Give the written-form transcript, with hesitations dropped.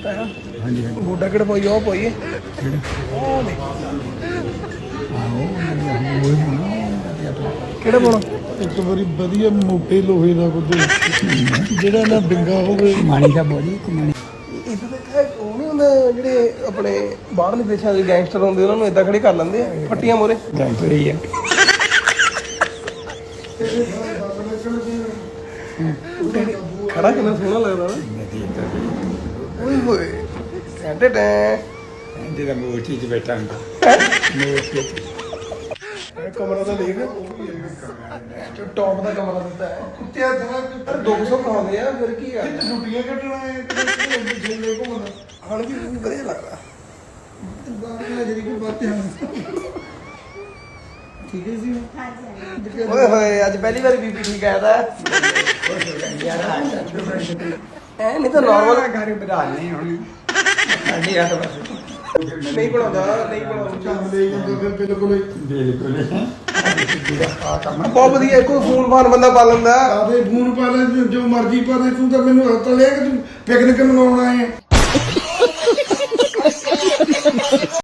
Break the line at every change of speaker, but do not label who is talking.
हाँ जी
ਗੋਡਾ ਕਿਹੜਾ ਪਾਈ ਉਹ ਪਾਈਏ ਕਿਹੜਾ ਪਾਉਣਾ
ਇੱਕ ਵਾਰੀ ਵਧੀਆ ਮੋਟੇ ਲੋਹੇ ਦਾ ਕੁਝ ਜਿਹੜਾ ਨਾ ਡਿੰਗਾ ਹੋਵੇ
मानी का बोली मानी
ਇਦਾਂ ਦਾ ਉਹ ਨਹੀਂ ਹੁੰਦਾ ਜਿਹੜੇ ਆਪਣੇ ਬਾਹਰਲੇ ਦੇਸ਼ਾਂ ਦੇ ਗੈਂਗਸਟਰ ਹੁੰਦੇ ਉਹਨਾਂ ਨੂੰ ਇਦਾਂ ਖੜੇ ਕਰ ਲੈਂਦੇ ਆ ਫੱਟੀਆਂ ਮੋਰੇ
गैंगस्टर ही है
ਖੜਾ ਕਿੰਨਾ ਸੋਹਣਾ ਲੱਗਦਾ ਨਾ ਓਏ ਹੋਏ ਟੈਂਟੇ ਟੈਂ
ਇਹਦੇ ਦਾ ਮੋਟੀ ਚ ਬੈਠਾ ਹੁੰਦਾ ਮੋਟੀ
ਇਹ ਕਮਰਾ ਤਾਂ ਦੇਖ ਜੋ ਟੌਪ ਦਾ ਕਮਰਾ ਦਿੱਤਾ ਹੈ
ਕੁੱਤਿਆਂ ਦਾ
ਪਰ 200 ਖਾਉਂਦੇ ਆ ਫਿਰ ਕੀ ਆ
ਛੁੱਟੀਆਂ ਕੱਟਣਾ ਹੈ ਛੇਲੇ ਘੁੰਮਣਾ
ਹਣ ਵੀ ਵਧੀਆ ਲੱਗਦਾ
ਬਾਹਰ ਨਜ਼ਰੀ ਕੋ ਬਾਤੇ ਹਨ ਠੀਕ ਹੈ ਜੀ
ਓਏ ਹੋਏ ਅੱਜ ਪਹਿਲੀ ਵਾਰ ਬੀਪੀ ਠੀਕ ਆਇਆ ਤਾਂ ਐ ਨਹੀਂ ਤਾਂ ਨਾਰਮਲ
ਘਰ ਬਣਾ ਨਹੀਂ ਹੁਣ ਸਾਡੀ ਆ ਬਸ
ਨਹੀਂ ਬਣਾਉਂਦਾ ਨਹੀਂ ਬਣਾਉਂਦਾ
ਚੱਲ ਲੈ ਜਾਂਦਾ ਫਿਰ ਬਿਲਕੁਲ
ਬਿਲਕੁਲ
ਬਹੁਤ ਵਧੀਆ ਕੋਈ ਫੋਨ ਫਾਨ ਬੰਦਾ ਪਾ ਲੈਂਦਾ
ਆਦੇ ਫੋਨ ਪਾ ਲੈ ਜੋ ਮਰਜ਼ੀ ਪਾ ਦੇ ਤੂੰ ਤਾਂ ਮੈਨੂੰ ਹੱਥ ਲਿਆ ਕਿ ਤੂੰ ਪਿਕਨਿਕ ਮਨਾਉਣ ਆਏ ਆ